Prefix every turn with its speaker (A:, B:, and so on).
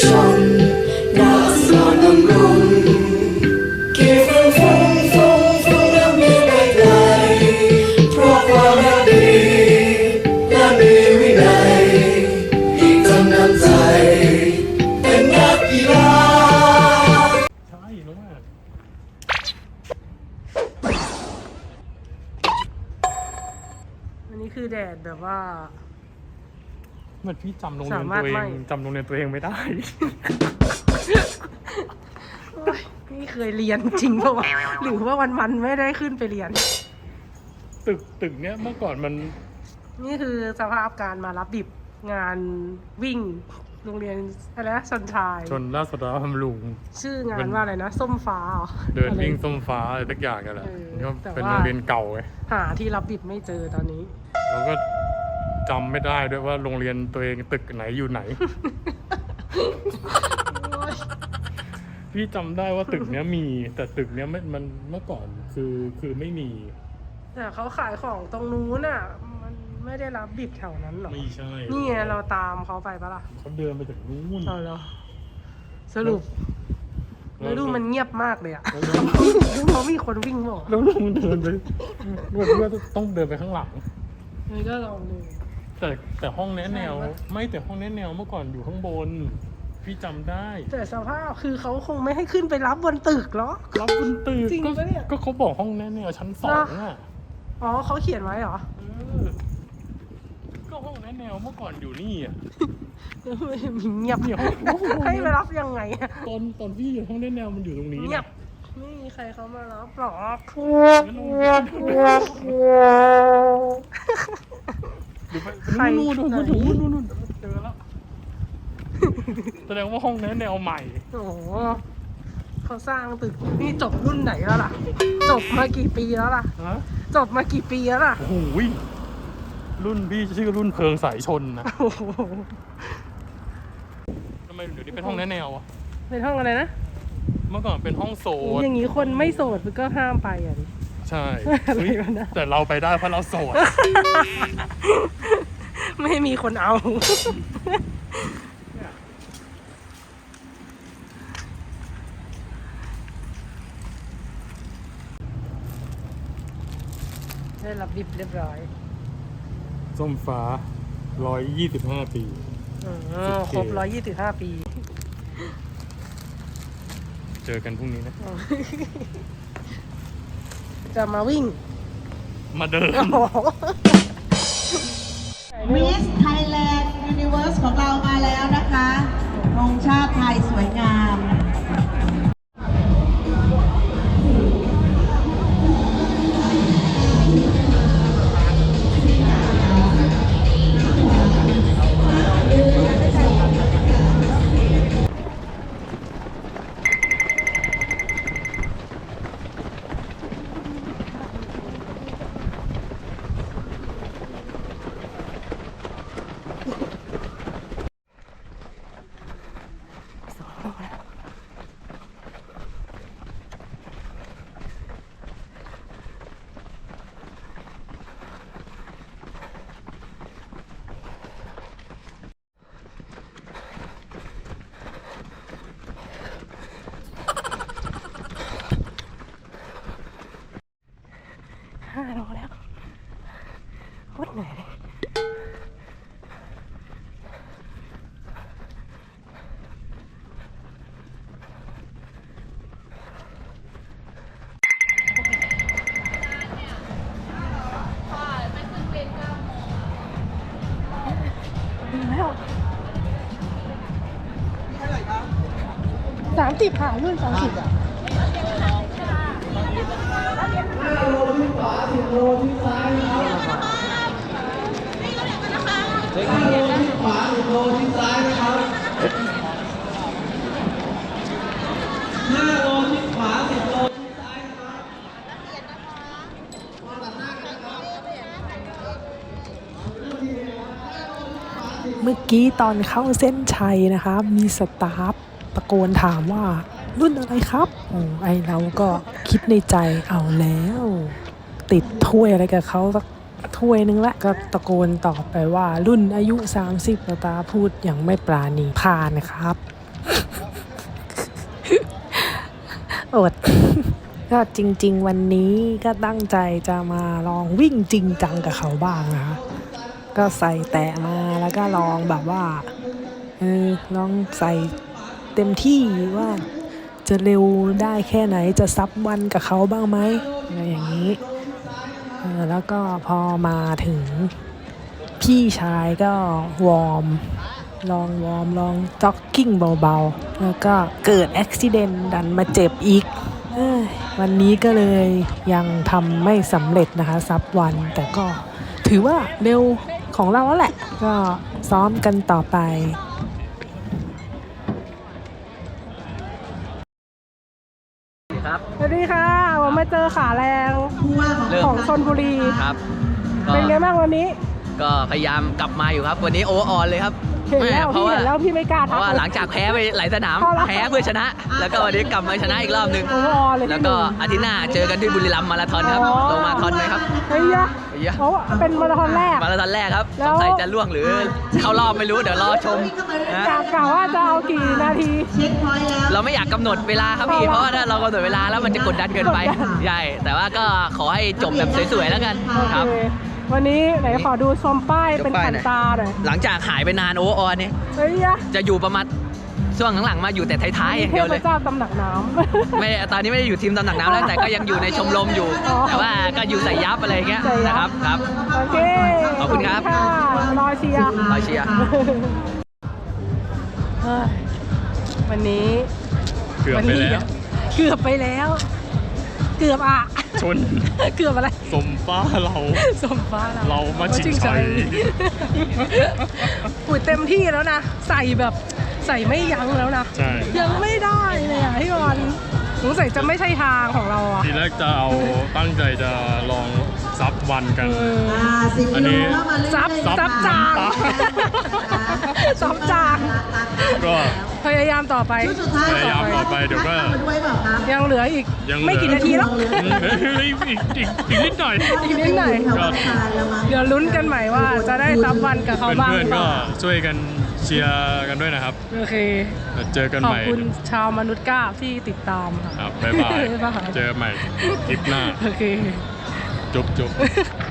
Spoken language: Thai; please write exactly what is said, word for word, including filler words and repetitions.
A: นราษฎรดำรงกี่ฟุ้งฟุ้งฟุ้งฟุ้งและมีไปไกลเพราะความรักดีและมีวินัยอีกจำนำใจเป็นนักกีฬา
B: ใช่รู้มาก
C: อันนี้คือแดดแบบว่า
B: เหมือนพี่จำโรงเรียนตัวเองจำโรงเรียนตัวเองไม่ได้
C: นี่เคยเรียนจริงป่าวะหรือว่าวันมันไม่ได้ขึ้นไปเรียน
B: ตึกตึกเนี้ยเมื่อก่อนมัน
C: นี่คือสภาพการมารับดิบงานวิ่งโรงเรียนอะไรนะชนชาย
B: ชนราษฎรบำรุง
C: ชื่องานว่าอะไรนะส้มฟ้า
B: เดินวิ่งส้มฟ้าอะไรสักอย่างกันแหละก็เป็นโรงเรียนเก่าไง
C: หาที่รับดิบไม่เจอตอนนี้
B: แล้วก็จำไม่ได้ด้วยว่าโรงเรียนตัวเองตึกไหนอยู่ไหน พี่จำได้ว่าตึกเนี้ยมีแต่ตึกเนี้ยไม่มันเมื่อก่อนคือคือไม่มี
C: แต่เขาขายของตรงนู้นอ่ะมันไม่ได้รับบิบแถวนั้นหรอ
B: ไม่ใช่
C: นี่ไงเราตามเขาไปปะล่ะ
B: เขาเดินไปถึงนู้น
C: เอาแล้วสรุปแล้วดูมันเงียบมากเลยอ่ะเขามีคนวิ่งบอก
B: แล้วลุงเดินไปเพื่อต้องเดินไปข้างหลัง
C: นี่ก็ลองดู
B: แต่แต่ห้องแนะแนวไม่แต่ห้องแนะแนวเมื่อก่อนอยู่ข้างบนพี่จำได้
C: แต่สภาพคือเขาคงไม่ให้ขึ้นไปรับบนตึกหรอ
B: รับบนตึก
C: จริงปะเนี่ย
B: ก็เขาบอกห้องแนะแนวชั้นสองอ่ะ
C: อ๋อเขาเขียนไว้เหรอ
B: ก็ห้องแนะแนวเมื่อก่อนอยู่นี่อ่ะ
C: เงียบเงียบให้ไปรับยังไง
B: ตอนตอนพี่อยู่ห้องแนะแนวมันอยู่ตรงนี้
C: เงียบไม่มีใครเขามารับหรอก
B: ใครนู่นนู่นนู่นนู่นนู่นเจอแล้วแสดงว่าห้องแนะแนวใหม่
C: โอ้เขาสร้างตึกนี่จบรุ่นไหนแล้วล่ะจบมากี่ปีแล้วล่ะจบมากี่ปีแล้วล่ะ
B: โอ้โหรุ่นพี่ชื่อรุ่นเพลิงสายชนนะทำไมเดี๋ยวนี้เป็นห้องแนะแนวอ่ะ
C: เป็นห้องอะไรนะ
B: เมื่อก่อนเป็นห้องโสด
C: อย่างนี้คนไม่โสดก็ห้ามไปอ่ะดิ
B: ใช่แต่เราไปได้เพราะเราโสด
C: ไม่มีคนเอาได้รับดิบเรียบร้อย
B: ส้มฟ้าร้อยยี่สิบห้าปี
C: ครบร้อยยี่สิบห้าปี
B: เจอกันพรุ่งนี้นะ
C: จะมาวิ่ง
B: มาเดิน
D: มิสไทยแลนด์ยูนิเวิร์สของเรามาแล้วนะคะธงชาติไทยสวยงาม
C: ห้าโลแล้วโคตรเหนื่อยเลยแล้วสามสิบค่ะรุ่นสามสิบอ่ะห้าโลที่ขวาสิบโลที่ซ้ายนะครับห้าโลที่ขวาสิบโลที่ซ้ายนะครับห้าโลที่ขวาสิบโลที่ซ้ายนะครับเมื่อกี้ตอนเข้าเส้นชัยนะคะมีสตาฟตะโกนถามว่ารุ่นอะไรครับโอ้ไอเราก็คิดในใจเอาแล้วติดถ้วยอะไรกับเขาสักถ้วยนึงละก็ตะโกนตอบไปว่ารุ่นอายุสามสิบตาพูดอย่างไม่ปราณีผ่านครับอด ก็จริงๆวันนี้ก็ตั้งใจจะมาลองวิ่งจริงจังกับเขาบ้างนะคะก็ใส่แตะมาแล้วก็ลองแบบว่าเออลองใส่เต็มที่ว่าจะเร็วได้แค่ไหนจะซับวันกับเขาบ้างไหมอะไรอย่างนี้เออแล้วก็พอมาถึงพี่ชายก็วอร์มลองวอร์มลองจ็อกกิ้งเบาๆแล้วก็เกิดอุบิเหตุดันมาเจ็บอีกเอ้ยวันนี้ก็เลยยังทำไม่สำเร็จนะคะซับวันแต่ก็ถือว่าเร็วของเราแล้วแหละก็ซ้อมกันต่อไป
E: ครับ
C: สวัสดีค่ะผมมาเจอขาแรง
D: ผู้ว่าของ
E: เริ่ม
C: ของชลบุรี
E: ครับก็
C: เป็นไงบ้างวันนี้
E: ก็พยายามกลับมาอยู่ครับ วันนี้โอเวอร์ออนเลยครับ
C: เห็นแล้ว
E: เพ
C: พี่
E: ราะว่า
C: เห็นแล้วพี่ไม่กล้า
E: เพ
C: ทัก
E: ราะว่าหลังจากแพ้ไปหลายสนาม
C: เอาละ
E: แพ้เพื่อชนะ แล้วก็วันนี้กลับมาชนะอีกรอบหนึ่ง
C: โอ้โหเลย
E: แล้วก็อาทิตย์หน้าเจอกันที่บุรีรัมย์มาราธอนครับลงมาราธอนไหมครับ
C: เฮ้ยยะ
E: เฮ้ยยะ
C: เพราะว่าเป็นมาราธอนแรก
E: มาราธอนแรกครับ
C: แล้
E: ส
C: ว
E: งสัยจะล่วงหรือเข้ารอบไม่รู้เดี๋ยวรอชมนะ
C: กะกะว่าจะเอากี่นาที
D: เช็คพอยต์แล้ว
E: เราไม่อยากกำหนดเวลาครับพี่ เพราะว่าถ้าเรากำหนดเวลาแล้วมันจะกดดันเกินไป
C: กดดัน
E: ใช่แต่ว่าก็ขอให้จบแบบสวยๆแล้วกัน
C: โอ
E: ครับ
C: เควันนี้ไหนขอดูชมป้าย
E: ชม
C: เป็น
E: ป้าย
C: ขัน
E: หน่อย
C: ตาหน่อย
E: หลังจากหายไปนานโอเวอร์ออนเนี่ย
C: เฮ้ยยะ
E: จะอยู่ประมาณช่วงหลังๆมาอยู่แต่ท้ายๆอย่าง
C: เท
E: เดียว
C: พ
E: เลย
C: เจ้าตำหนักน้ำ
E: ไม่ตอนนี้ไม่ได้อยู่ทีมตำหนักน้ำแล้วแต่ก็ยังอยู่ในชมรมอยู่
C: อ๋อ
E: แต่ว่าก็อยู่ใส่ยับอะไรเงี้ย
C: ใส่ยับ
E: นะครับครับ
C: โอเค
E: ขอบคุณครับ
C: ะรอเชียร์
E: รอเชียร์
C: เฮ้ยวันนี้
B: เกือบไปแล้ว
C: เกือบไปแล้ว เกือบอ่ะ
B: ชน
C: เกือบอะไร
B: สมฟ้าเรา
C: สมฟ้าเรา
B: เรามาชิงชัย
C: ปุ๋ยเต็มที่แล้วนะ ใส่แบบใส่ไม่ยั้งแล้วนะ
B: ใช่
C: ยังไม่ได้เลยอ่ะพี่บอลสงสัยจะไม่ใช่ทางของเราอ่ะ
B: ทีแรกจะเอาตั้งใจจะลองซับวันกัน
C: เออ
D: อ่าสิบ
B: อั
D: กิ
B: น
D: โล
B: นี้
D: เข้ามาเรื่อยๆ
C: ซับซับจาง ซับจาง
B: ก็
C: พยายามต่อไป
D: ชุดสุดท้าย
B: พยายามต่อไปเดี๋ยวก็
D: นัมาด้วยเปล่าครับ
C: ยังเหลืออีก
B: ยังเหลือ
C: ไม่กี่นาทีแล้ว
B: อืมเฮ้ยอีกอีกอีกนิดหน่อย
C: อีกนิดหน่อย
D: แถวอาคารแล้วมั้ง
C: เดี๋ยวลุ้นกันใหม่ว่าจะได้ซับวันกับเขาบ้าง
B: เพื่อน
C: หรือ
B: ๆ
C: เป
B: ก็
C: ล่า
B: ช่วยกันเชียร์กันด้วยนะครับ
C: โอเค
B: แล้วเจอกัน
C: ขอ
B: ให
C: บ
B: ม่
C: คุณชาวมนุษย์ก้าที่ติดตามค่ะ
B: ครับบ๊ายบาย
C: บ๊ายบาย
B: เจอกันใหม่คลิปหน้า
C: โอเค
B: จุ๊บจุ๊บ